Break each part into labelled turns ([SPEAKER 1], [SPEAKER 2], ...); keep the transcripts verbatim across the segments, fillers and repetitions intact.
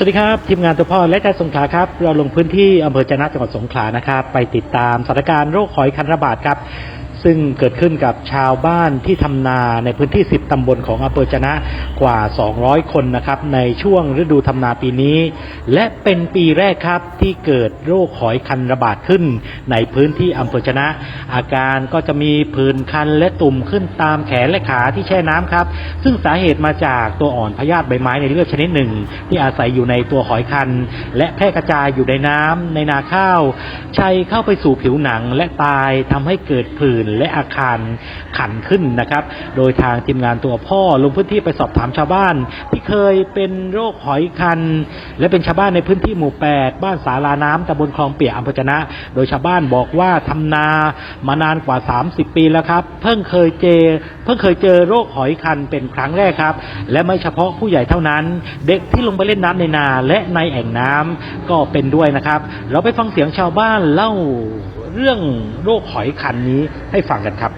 [SPEAKER 1] วัสดีครับทีมงานตัวพ่อและใจสงขลาครับเราลงพื้นที่อำเภอจะนะจังหวัดสงขลานะครับไปติดตามสถานการณ์โรคหอยคันระบาดครับซึ่งเกิดขึ้นกับชาวบ้านที่ทำนาในพื้นที่สิบตำบลของอำเภอจะนะกว่าสองร้อยคนนะครับในช่วงฤดูทำนาปีนี้และเป็นปีแรกครับที่เกิดโรคหอยคันระบาดขึ้นในพื้นที่อำเภอจะนะอาการก็จะมีผื่นคันและตุ่มขึ้นตามแขนและขาที่แช่น้ำครับซึ่งสาเหตุมาจากตัวอ่อนพยาธิใบไม้ในเลือดชนิดหนึ่งที่อาศัยอยู่ในตัวหอยคันและแพร่กระจายอยู่ในน้ำในนาข้าวชัยเข้าไปสู่ผิวหนังและตายทำให้เกิดผื่นและอาการขันขึ้นนะครับโดยทางทีมงานตัวพ่อลงพื้นที่ไปสอบถามชาวบ้านที่เคยเป็นโรคหอยคันและเป็นชาวบ้านในพื้นที่หมู่แปดบ้านสาราน้ำตำบลคลองเปียกอำเภอจะนะโดยชาวบ้านบอกว่าทำนามานานกว่าสามสิบปีแล้วครับเพิ่งเคยเจอเพิ่งเคยเจอโรคหอยคันเป็นครั้งแรกครับและไม่เฉพาะผู้ใหญ่เท่านั้นเด็กที่ลงไปเล่นน้ำในนาและในแอ่งน้ำก็เป็นด้วยนะครับเราไปฟังเสียงชาวบ้านเล่าเรื่องโรคหอยคันนี้ให้ฟังกันครับ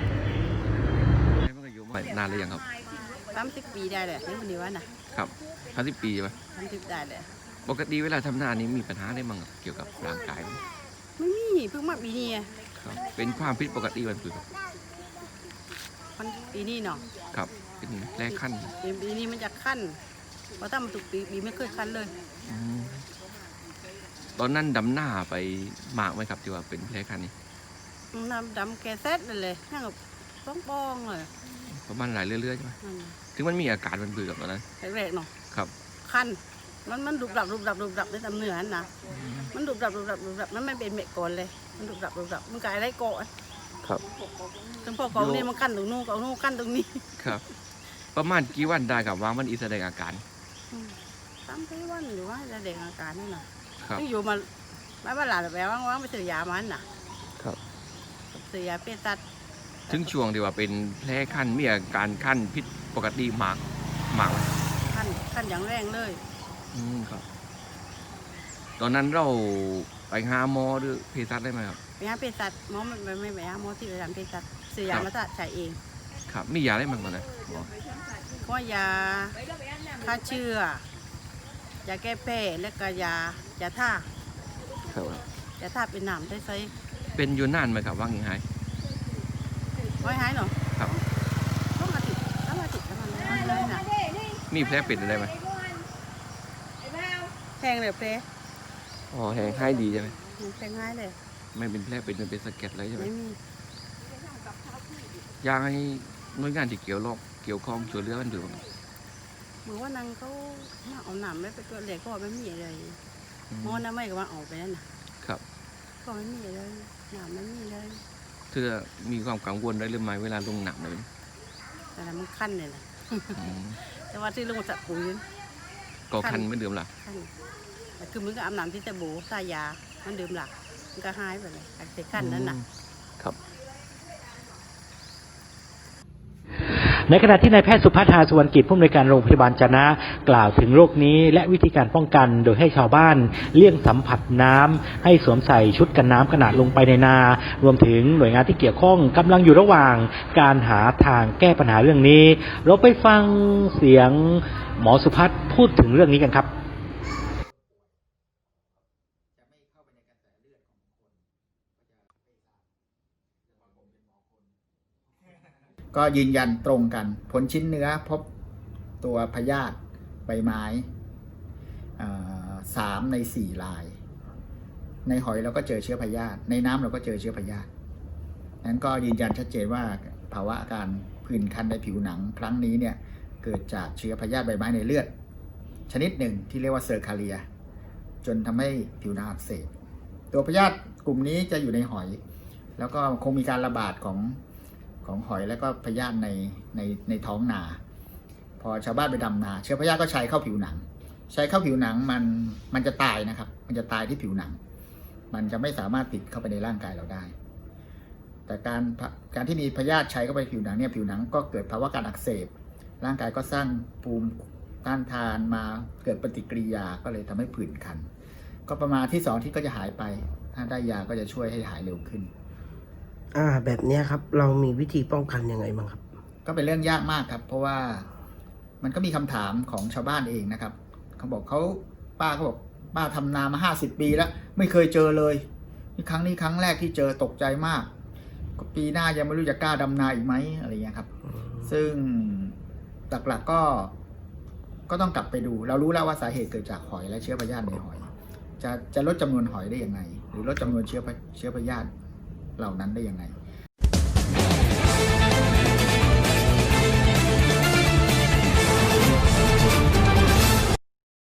[SPEAKER 2] นานเลยยังครับ
[SPEAKER 3] สามสิบปีได้เลยนี่วันนี้ว่านะครับ
[SPEAKER 2] สามสิบปีป่ะ
[SPEAKER 3] สามสิบได้เลย
[SPEAKER 2] ปกติเวลาทำนานี้มีปัญหาได้มั้งเกี่ยวกับร่างกายไหม
[SPEAKER 3] ไม่มีเพิ่งมาปีนี้
[SPEAKER 2] ครับเป็นความผิดปกติมันคือ
[SPEAKER 3] มันปีนี้เนาะ
[SPEAKER 2] ครับเป็นแรกขั้น
[SPEAKER 3] ปีนี้มันจะขั้นเพราะถ้ามันถูกปีปีไม่เคยขั้นเลย
[SPEAKER 2] ตอนนั้นดำหน้าไปหมากไหมครับที่ว่าเป็นแรกขั้นนี้
[SPEAKER 3] น้ำดำแกเซตเลยนั่งกับป้องป้องเลย
[SPEAKER 2] ประมาณหลายเรื่อยๆใช่ไหมถึงมันมีอาการมันเบื่อกับตอนนั้น
[SPEAKER 3] แรกๆเนาะ
[SPEAKER 2] ครับ
[SPEAKER 3] ขั้นมันมันดุบดับดุบดับดุบดับในตำเนื้อนะมันดุบดับดุบดับดุบดับมันไม่เป็นเม็ดก่อนเลยมันดุบดับดุบดับมันกลายได้เกาะ
[SPEAKER 2] ครับ
[SPEAKER 3] ถึงพอกองนี่มันขั้นตรงนู้นกองนู้นขั้นตรงนี้
[SPEAKER 2] ครับประมาณกี่วันได้กับว่ามันอีแสดงอาการ
[SPEAKER 3] สามสี่วันหรือว่าแสดงอาการนี่นะที่อยู่มาไม่ว่าหลานแบบว่างๆไปซื้อยามันน่ะ
[SPEAKER 2] ครับ
[SPEAKER 3] ซื้อยาเปตัด
[SPEAKER 2] ถึงช่วงที่ว่าเป็นแผลขั้นมีอาการขั้นพิษปกติมากมาก
[SPEAKER 3] ขั้นขั้นอย่างแรงเลย
[SPEAKER 2] อืมครับตอนนั้นเราไปหาหมอหรือเภสัชได้ไหมครับ
[SPEAKER 3] ไปหาเภสัชหมอไม่ไม่ไปหาหมอที่ประจำเภสัชซื้อยามาใช้เอง
[SPEAKER 2] ครับมียาได้มั้งตอนนั้น
[SPEAKER 3] ก็ยาฆ่าเชื้อยาแก้แพ้และก็ยายาท่า
[SPEAKER 2] ครับ
[SPEAKER 3] ยาท่าเป็นหนามได้ใช้
[SPEAKER 2] เป็นอยู่นานไหมครับว่าอย่างไร
[SPEAKER 3] ไว้หายหรอ
[SPEAKER 2] ครับ
[SPEAKER 3] ต้องมาติดต้องมาติดแล้วมันเลยนะ
[SPEAKER 2] มีแผลเป็นอะไรไหม
[SPEAKER 3] แทงเลยแผล
[SPEAKER 2] อ๋อแหงให้ดีใช่ไหม
[SPEAKER 3] แทงง่ายเลย
[SPEAKER 2] ไม่เป็นแผลเป็นเป็นสะเก็ดเลยใช่ไหม
[SPEAKER 3] ไม่มี
[SPEAKER 2] ยางให้หน่วยงานที่เกี่ยวรอบเกี่ยวข้องช่วยเหลือกันดู
[SPEAKER 3] เหมือนว่านางเขาเอาหนามไม่ไปตัวเล็กก็ไม่มีอะไรมอน้ำไม่ก็ว่าออกไปนั่นนะครับก็ไม่มีเลยหนามไม่มีเลย
[SPEAKER 2] เธอมีความกังวลได้หรือไม่เวลาลงหนักเลย
[SPEAKER 3] แต่มันคันเลยนะแต่ว่าที่ลงจากปุ๋ย
[SPEAKER 2] ก็คันไม่ดื่มหรอ
[SPEAKER 3] แต่คือมึงก็อาบน้ำที่ตะโบใส่ยามันดื่มหลักมันก็หายไปเลยแต่คันนั้นนะครับ
[SPEAKER 1] ในขณะที่นายแพทย์สุภัทราสุวรรณกิจผู้อำนวยการโรงพยาบาลจะนะกล่าวถึงโรคนี้และวิธีการป้องกันโดยให้ชาวบ้านเลี่ยงสัมผัสน้ำให้สวมใส่ชุดกันน้ำขณะลงไปในนารวมถึงหน่วยงานที่เกี่ยวข้องกำลังอยู่ระหว่างการหาทางแก้ปัญหาเรื่องนี้เราไปฟังเสียงหมอสุภัทรพูดถึงเรื่องนี้กันครับ
[SPEAKER 4] ก็ยืนยันตรงกันผลชิ้นเนื้อพบตัวพยาธิใบไม้สามในสี่รายในหอยเราก็เจอเชื้อพยาธิในน้ำเราก็เจอเชื้อพยาธินั้นก็ยืนยันชัดเจนว่าภาวะการผื่นคันในผิวหนังครั้งนี้เนี่ยเกิดจากเชื้อพยาธิใบไม้ในเลือดชนิดหนึ่งที่เรียกว่าเซอร์คาเรียจนทำให้ผิวหนังอักเสบตัวพยาธิกลุ่มนี้จะอยู่ในหอยแล้วก็คงมีการระบาดของของหอยและก็พยาธิในในในท้องนาพอชาวบ้านไปดำนาเชื้อพยาธิก็ใช้เข้าผิวหนังใช้เข้าผิวหนังมันมันจะตายนะครับมันจะตายที่ผิวหนังมันจะไม่สามารถติดเข้าไปในร่างกายเราได้แต่การการที่มีพยาธิใช้เข้าไปผิวหนังเนี่ยผิวหนังก็เกิดภาวะการอักเสบร่างกายก็สร้างภูมิต้านทานมาเกิดปฏิกิริยาก็เลยทำให้ผื่นคันก็ประมาณที่สองที่ก็จะหายไปถ้าได้ยาก็จะช่วยให้หายเร็วขึ้น
[SPEAKER 5] อ่าแบบนี้ครับเรามีวิธีป้องกันยังไงบ้างครับ
[SPEAKER 4] ก็เป็นเรื่องยากมากครับเพราะว่ามันก็มีคำถามของชาวบ้านเองนะครับเขาบอกเขาป้าก็บอกป้าทำนามาห้าสิบปีแล้วไม่เคยเจอเลยนี่ครั้งนี้ครั้งแรกที่เจอตกใจมากก็ปีหน้ายังไม่รู้จะกล้าดำนาอีกไหมอะไรเงี้ยครับซึ่งหลักๆก็ก็ต้องกลับไปดูเรารู้แล้วว่าสาเหตุเกิดจากหอยและเชื้อพยาธิในหอยจะจะลดจำนวนหอยได้ยังไงหรือลดจำนวนเชื้อเชื้อพยาธิเหล่านั้นได้ยังไง